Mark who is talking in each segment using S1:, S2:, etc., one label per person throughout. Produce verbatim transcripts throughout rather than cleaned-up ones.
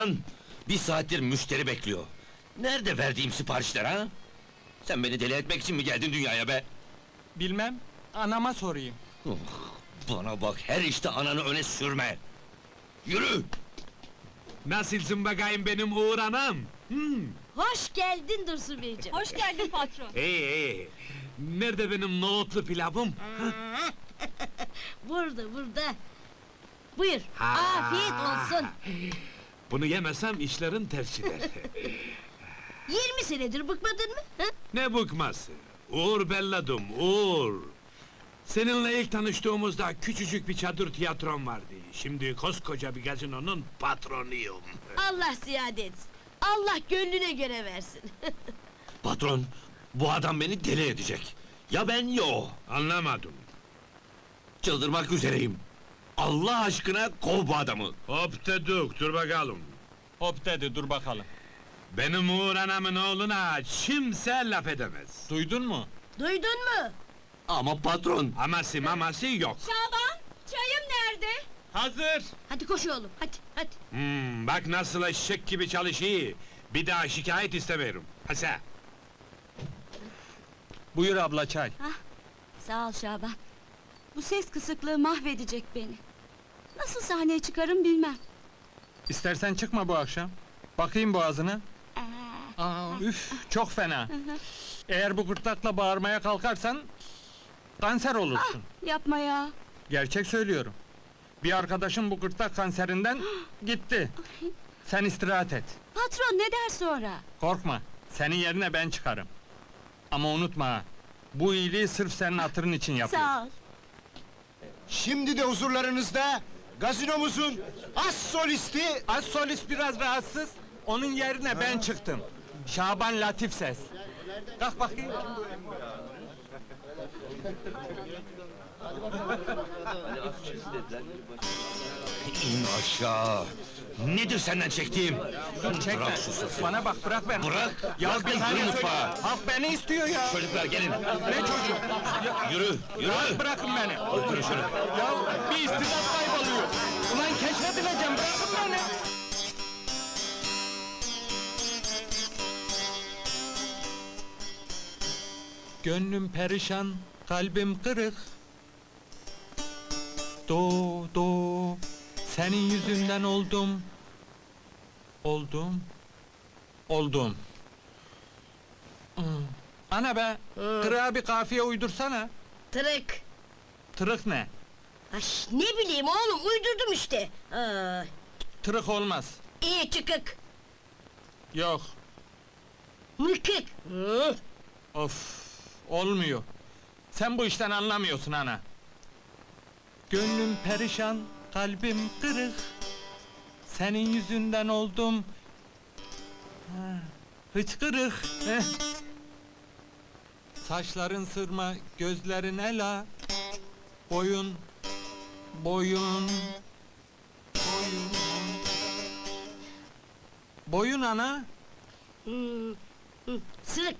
S1: Lan, bir saattir müşteri bekliyor. Nerede verdiğim siparişler ha? Sen beni deli etmek için mi geldin dünyaya be?
S2: Bilmem, anama sorayım.
S1: Oh, bana bak, her işte ananı öne sürme! Yürü!
S3: Nasılsın bakayım benim Uğur anam? Hmm.
S4: Hoş geldin Dursun Beyciğim.
S5: Hoş geldin patron.
S3: İyi iyi. Nerede benim nohutlu pilavım?
S4: Burada, burada. Buyur,
S3: Ha.
S4: afiyet olsun.
S3: Bunu yemesem işlerin ters gider.
S4: Yirmi senedir bıkmadın mı? Hı?
S3: Ne bıkması? Uğur belladım, Uğur! Seninle ilk tanıştığımızda küçücük bir çadır tiyatrom vardı. Şimdi koskoca bir gazinonun patronuyum.
S4: Allah ziyade etsin. Allah gönlüne göre versin.
S1: Patron, bu adam beni deli edecek. Ya ben ya o.
S3: Anlamadım.
S1: Çıldırmak üzereyim. Allah aşkına kov bu adamı.
S3: Hop dedik, dur bakalım.
S2: Hop dedi, dur bakalım.
S3: Benim Uğur anamın oğluna kimse laf edemez.
S2: Duydun mu?
S4: Duydun mu?
S1: Ama patron,
S3: Aması maması yok.
S5: Şaban, çayım nerede?
S2: Hazır!
S4: Hadi koş oğlum, hadi, hadi.
S3: Hmm, bak nasıl eşek gibi çalışıyor. Bir daha şikayet istemiyorum. Hasa.
S2: Buyur abla çay.
S5: Sağ ol Şaban. Bu ses kısıklığı mahvedecek beni. Nasıl sahneye çıkarım bilmem.
S2: İstersen çıkma bu akşam. Bakayım boğazına.
S5: Ee,
S2: Aa, üf, çok fena. Eğer bu gırtlakla bağırmaya kalkarsan... ...kanser olursun.
S5: yapma ya.
S2: Gerçek söylüyorum. Bir arkadaşım bu gırtlak kanserinden gitti. Sen istirahat et.
S5: Patron ne der sonra?
S2: Korkma, senin yerine ben çıkarım. Ama unutma ha, bu iyiliği sırf senin hatırın için yapıyorum.
S5: Sağ ol.
S6: Şimdi de huzurlarınızda gazinomuzun as solisti
S2: Az solist biraz rahatsız, onun yerine ben çıktım. Şaban Latif Ses. Kalk bakayım.
S1: in aşağı! Nedir senden çektiğim?
S2: Dur çekme.
S1: Bırak şu sesi.
S2: Bana bak, bırak beni.
S1: Bırak!
S2: Ya
S1: Bırak
S2: bir
S1: beni,
S2: saniye
S1: yürü
S2: söyle.
S1: mutfağa!
S2: Halk beni istiyor ya.
S1: Çocuklar gelin!
S2: Ne çocuk?
S1: Yürü, yürü!
S2: Rahat bırakın beni.
S1: Oturun şöyle!
S2: Ya bir istidat kayboluyor. Ulan keşfedileceğim, bırakın beni. Gönlüm perişan, kalbim kırık. Do do, senin yüzünden oldum. Oldum. Oldum. Hmm. Ana be, kırığa bir kafiye uydursana.
S4: Tırık.
S2: Tırık ne?
S4: Ay, ne bileyim oğlum, uydurdum işte. Aa,
S2: Tırık olmaz.
S4: iyi çıkık,
S2: Yok.
S4: mıkık. Hı.
S2: Of, olmuyor. Sen bu işten anlamıyorsun ana. Gönlüm perişan, kalbim kırık. Senin yüzünden oldum. Ha, hıçkırık. heh. Saçların sırma, gözlerin ela. Boyun, boyun, boyun. Boyun ana.
S4: Hmm, hı, Sırık.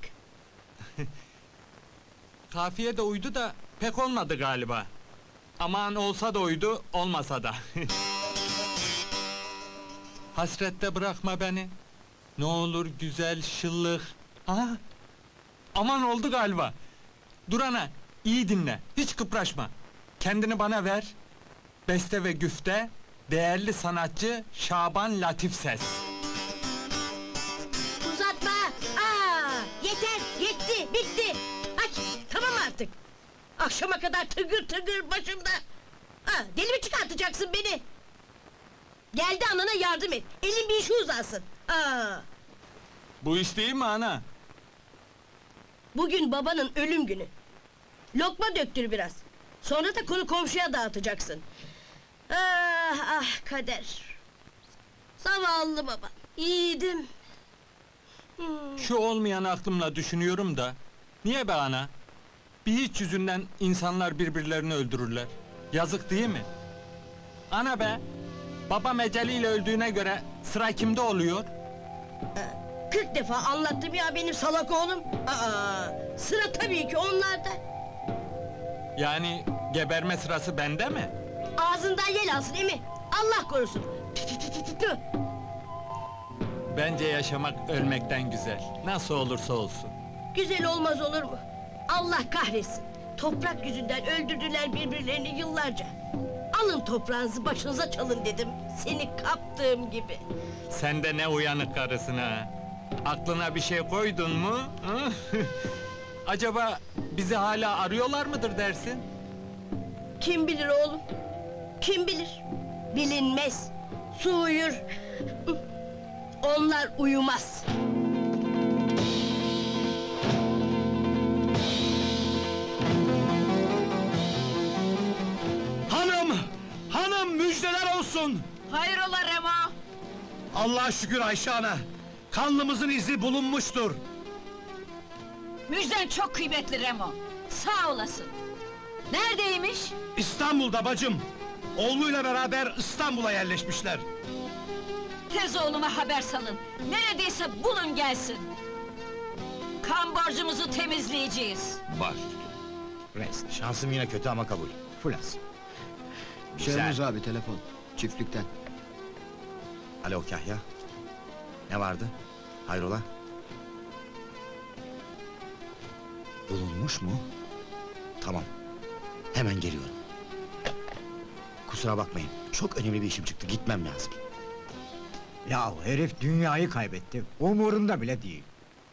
S2: Kafiye de uydu da pek olmadı galiba. Aman olsa da uydu, olmasa da. Hasrette bırakma beni. Ne olur güzel şıllık. Aha! Aman oldu galiba. Dur ana, iyi dinle, hiç kıpraşma. Kendini bana ver. Beste ve güfte, değerli sanatçı Şaban Latif Ses.
S4: Uzatma! Aa, yeter, yetti, bitti! Ay, tamam artık! Akşama kadar tıgır tıgır başımda! Aa, deli mi çıkartacaksın beni? Geldi anana yardım et, elin bir işi uzansın! Aa,
S2: Bu iş değil mi ana?
S4: bugün babanın ölüm günü! Lokma döktür biraz! Sonra da konu komşuya dağıtacaksın! Ah ah kader! Zavallı baba, yiğidim! Hmm.
S2: Şu olmayan aklımla düşünüyorum da... Niye be ana? Bir hiç yüzünden insanlar birbirlerini öldürürler. Yazık değil mi? Ana be! Babam eceliyle öldüğüne göre sıra kimde oluyor?
S4: Kırk defa anlattım ya benim salak oğlum! Aa, sıra tabii ki onlarda!
S2: Yani geberme sırası bende mi?
S4: Ağzından yel alsın emi! Allah korusun! Tü tü tü tü tü tü!
S2: Bence yaşamak ölmekten güzel. Nasıl olursa olsun.
S4: Güzel olmaz olur mu? Allah kahretsin! Toprak yüzünden öldürdüler birbirlerini yıllarca. Alın toprağınızı başınıza çalın dedim. Seni kaptığım gibi.
S2: Sen de ne uyanık karısın ha! Aklına bir şey koydun mu? hı? Acaba bizi hala arıyorlar mıdır dersin?
S4: Kim bilir oğlum? Kim bilir? Bilinmez. Su uyur. Onlar uyumaz.
S6: Hanım! Hanım müjdeler olsun!
S5: Hayrola Remo?
S6: Allah'a şükür Ayşe ana! Kanlımızın izi bulunmuştur!
S5: Müjden çok kıymetli Remo. Sağ olasın. Neredeymiş?
S6: İstanbul'da bacım! Oğluyla beraber İstanbul'a yerleşmişler.
S5: Tez oğluma haber salın. Neredeyse bulun gelsin. Kan borcumuzu temizleyeceğiz.
S1: Baş.
S7: Rest. Şansım yine kötü ama kabul. Fulas.
S6: Şermuz abi telefon, çiftlikten.
S7: Alo Kahya. Ne vardı? Hayrola? Bulunmuş mu? Tamam. Hemen geliyorum. Kusura bakmayın. Çok önemli bir işim çıktı. Gitmem lazım.
S8: Ya herif dünyayı kaybetti. Umurunda bile değil.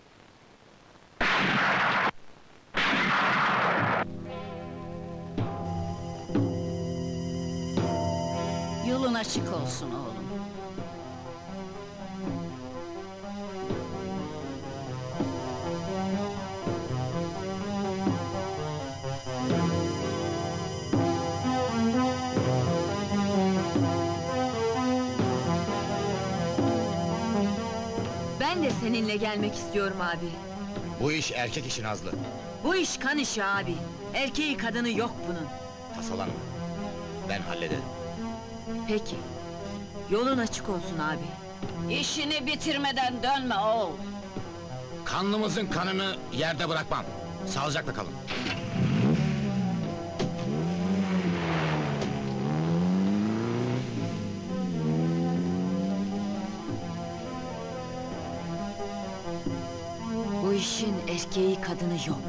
S5: Yolun açık olsun oğlum.
S9: Ben de seninle gelmek istiyorum abi.
S7: Bu iş erkek işi Nazlı.
S9: Bu iş kan işi abi. Erkeği kadını yok bunun.
S7: Tasalanma. Ben hallederim.
S9: Peki. Yolun açık olsun abi.
S5: İşini bitirmeden dönme oğul.
S7: Kanlımızın kanını yerde bırakmam. Sağlıcakla kalın.
S9: Bu işin erkeği kadını yok.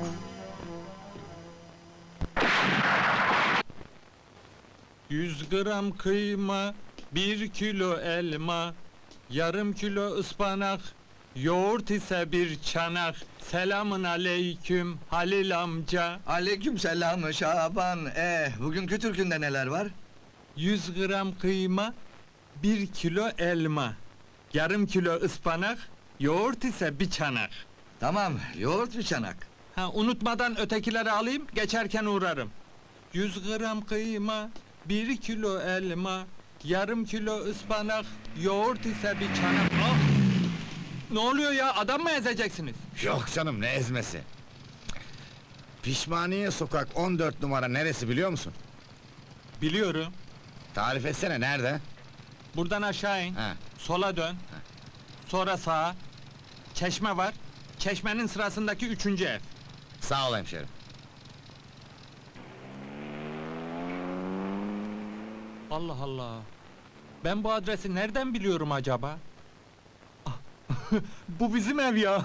S2: Yüz gram kıyma, bir kilo elma, yarım kilo ıspanak, yoğurt ise bir çanak. Selamın aleyküm Halil amca.
S10: Aleykümselam Şaban. Eh, bugünkü türkünde neler var?
S2: Yüz gram kıyma, bir kilo elma, yarım kilo ıspanak, yoğurt ise bir çanak.
S10: Tamam, yoğurt bir çanak.
S2: Ha, unutmadan ötekileri alayım, geçerken uğrarım. Yüz gram kıyma, bir kilo elma, yarım kilo ıspanak, yoğurt ise bir çanak. Ah! Ne oluyor ya, adam mı ezeceksiniz?
S7: Yok canım, ne ezmesi? Pişmaniye sokak on dört numara neresi biliyor musun?
S2: Biliyorum.
S7: Tarif etsene, nerede?
S2: Buradan aşağı in,
S7: Ha.
S2: sola dön, sonra sağa. Çeşme var, çeşmenin sırasındaki üçüncü ev.
S7: Sağ ol hemşerim.
S2: Allah Allah! Ben bu adresi nereden biliyorum acaba? Ah, bu bizim ev ya!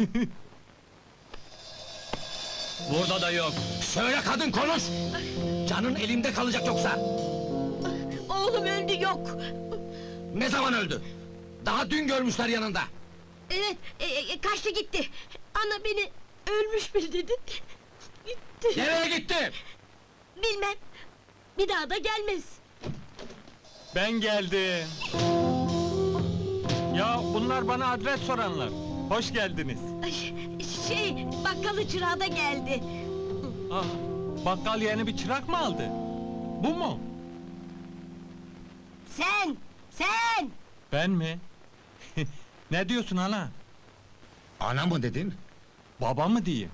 S1: Burada da yok.
S7: Söyle kadın, konuş! Canın elimde kalacak yoksa!
S4: Oğlum öldü yok.
S7: Ne zaman öldü? Daha dün görmüşler yanında!
S4: Evet, e, e, kaçtı gitti. Ana beni ölmüş bil dedi. Gitti.
S7: Nereye gitti?
S4: Bilmem. Bir daha da gelmez.
S2: Ben geldim! Ya bunlar bana adres soranlar. Hoş geldiniz.
S4: Ay, şey, bakkalı çırağı da geldi.
S2: Ah, bakkal yeni bir çırak mı aldı? Bu mu?
S4: Sen, sen!
S2: Ben mi? Ne diyorsun ana?
S7: Ana mı dedin?
S2: Baba mı diyeyim?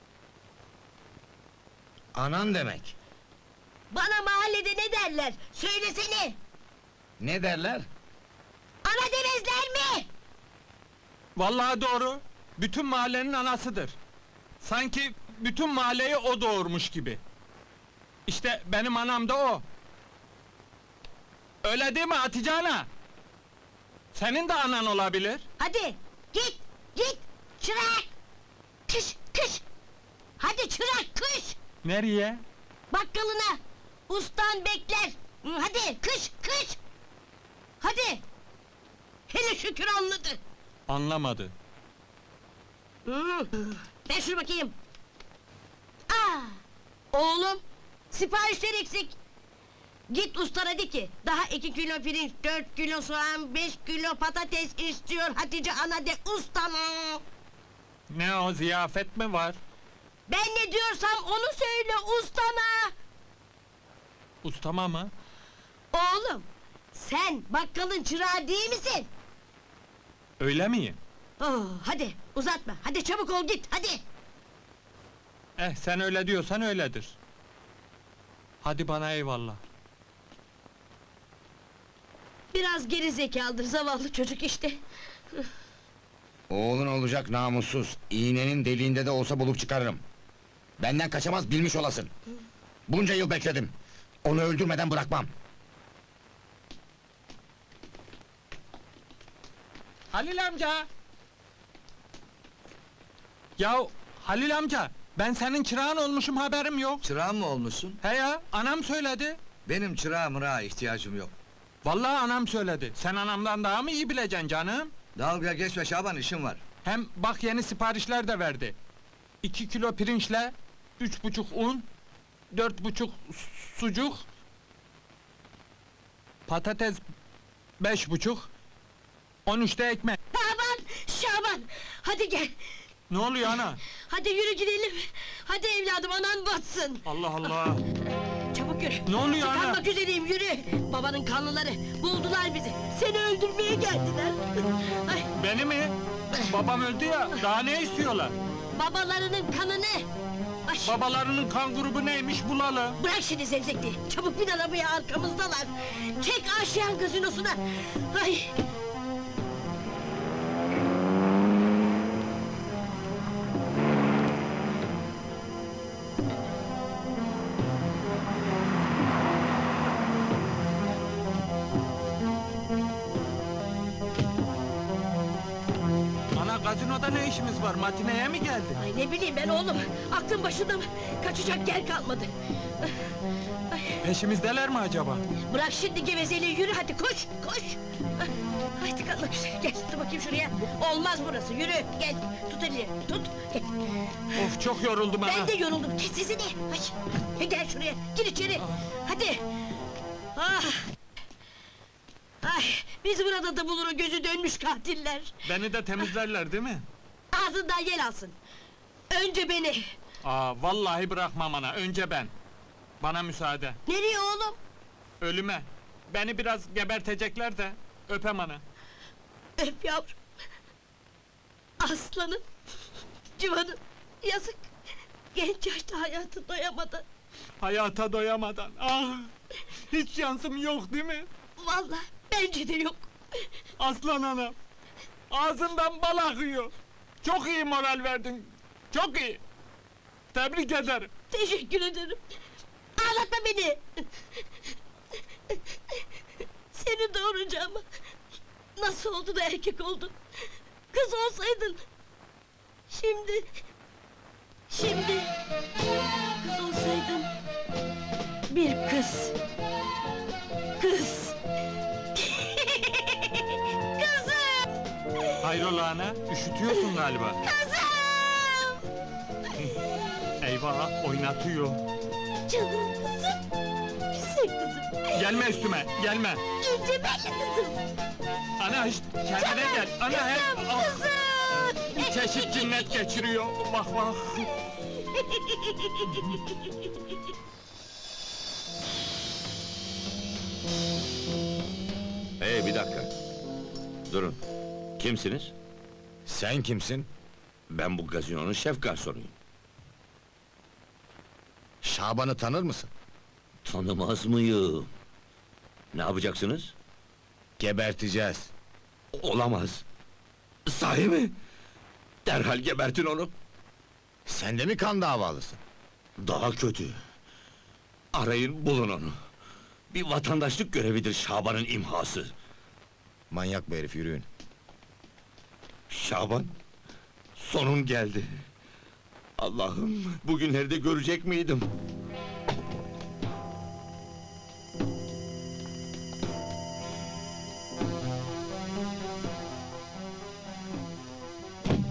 S7: Anan demek.
S4: Bana mahallede ne derler? Söylesene!
S7: Ne derler?
S4: Ana demezler mi?
S2: Vallahi doğru. Bütün mahallenin anasıdır. Sanki bütün mahalleyi o doğurmuş gibi. İşte benim anam da o. Öyle değil mi Hatice ana? Senin de anan olabilir.
S4: Hadi git git çırak. Kış kış. Hadi çırak kış.
S2: Nereye?
S4: Bakkalına. Ustan bekler. Hı, hadi kış kış. Hadi. Hele şükür anladı.
S2: Anlamadı.
S4: Hı, ver şunu bakayım. Aa, oğlum, siparişler eksik. Git ustana de ki, daha iki kilo pirinç, dört kilo soğan, beş kilo patates istiyor Hatice ana de ustana.
S2: Ne o, ziyafet mi var?
S4: Ben ne diyorsam onu söyle ustana.
S2: Ustama mı?
S4: Oğlum, sen bakkalın çırağı değil misin?
S2: Öyle miyim?
S4: Oh, hadi uzatma, hadi çabuk ol git, hadi.
S2: Eh, sen öyle diyorsan öyledir. Hadi bana eyvallah.
S4: Biraz geri zekalıdır zavallı çocuk işte.
S7: Oğlun olacak namussuz. İğnenin deliğinde de olsa bulup çıkarırım. Benden kaçamaz bilmiş olasın. Bunca yıl bekledim. Onu öldürmeden bırakmam.
S2: Halil amca! Ya Halil amca, ben senin çırağın olmuşum, haberim yok.
S10: Çırağın mı olmuşsun?
S2: He ya, anam söyledi.
S10: Benim çırağa mırağa ihtiyacım yok.
S2: Vallahi anam söyledi. Sen anamdan daha mı iyi bileceksin canım?
S10: Dalga geçme Şaban, işim var.
S2: Hem bak yeni siparişler de verdi. İki kilo pirinçle, üç buçuk un, dört buçuk sucuk, patates beş buçuk, on üçte ekmek.
S4: Şaban, Şaban, hadi gel.
S2: Ne oluyor ana?
S4: Hadi yürü gidelim. Hadi evladım anan batsın.
S2: Allah Allah!
S4: Çabuk yürü.
S2: Ne oluyor ana?
S4: Tıkanmak üzereyim yürü. Babanın kanlıları buldular bizi. Seni öldürmeye geldiler. Ay,
S2: Beni mi? Babam öldü ya, daha ne istiyorlar?
S4: babalarının kanını. Ay,
S2: Babalarının kan grubu neymiş bulalım.
S4: bırak şimdi zevzekliği. Çabuk bin arabaya arkamızdalar. Çek Aşiyan gazinosuna. Ay.
S2: Ana, gazinoda ne işimiz var? Matineye mi geldin?
S4: Ay ne bileyim ben oğlum. Aklım başında mı? Kaçacak yer kalmadı.
S2: Peşimizdeler mi acaba?
S4: Bırak şimdi gevezeliği yürü hadi koş koş. Ay tıkanmak üzere gel dur bakayım şuraya. Olmaz burası yürü gel tut elini tut. Gel.
S2: Of, çok yoruldum ana!
S4: Ben de yoruldum kes sesini. Ay, gel şuraya gir içeri. Hadi. Ah. Ay biz burada da bulur o gözü dönmüş katiller.
S2: Beni de temizlerler değil mi?
S4: Ağzından yel alsın. Önce beni.
S2: Aa, vallahi bırakmam ana, önce ben. Bana müsaade.
S4: Nereye oğlum?
S2: Ölüme. Beni biraz gebertecekler de, öpem ana.
S4: Öp yavrum. Aslanım. Civanım. Yazık. Genç yaşta hayatı doyamadı.
S2: Hayata doyamadan, ah! Hiç şansım yok değil mi?
S4: Vallahi bence de yok.
S2: Aslan anam! Ağzından bal akıyor! Çok iyi moral verdin, çok iyi! Tebrik ederim!
S4: Teşekkür ederim. Ağlatma beni. Seni doğuracağım. Nasıl oldu da erkek oldun? Kız olsaydın. Şimdi... Şimdi... Kız olsaydın... Bir kız. Kız. Kızım!
S2: Hayrola ana, üşütüyorsun galiba.
S4: Kızım!
S2: Eyvah, oynatıyor!
S4: Canım kızım! Güzel kızım!
S2: Gelme üstüme, gelme!
S4: İnce belli kızım!
S2: Ana, hiç kendine gel! Ana, hep... ah!
S4: Kızım!
S2: Çeşit cinnet geçiriyor, bak bak!
S1: Hey bir dakika. Durun. Kimsiniz?
S7: Sen kimsin?
S1: Ben bu gazinonun şef garsonuyum.
S7: Şaban'ı tanır mısın?
S1: Tanımaz mıyım? Ne yapacaksınız?
S7: Geberteceğiz.
S1: Olamaz. Sahi mi? Derhal gebertin onu.
S7: Sen de mi kan davalısın?
S1: Daha kötü. Arayın bulun onu. Bir vatandaşlık görevidir Şaban'ın imhası.
S7: Manyak bu herif, yürüyün.
S1: Şaban, sonun geldi. Allah'ım, bugünleri de görecek miydim?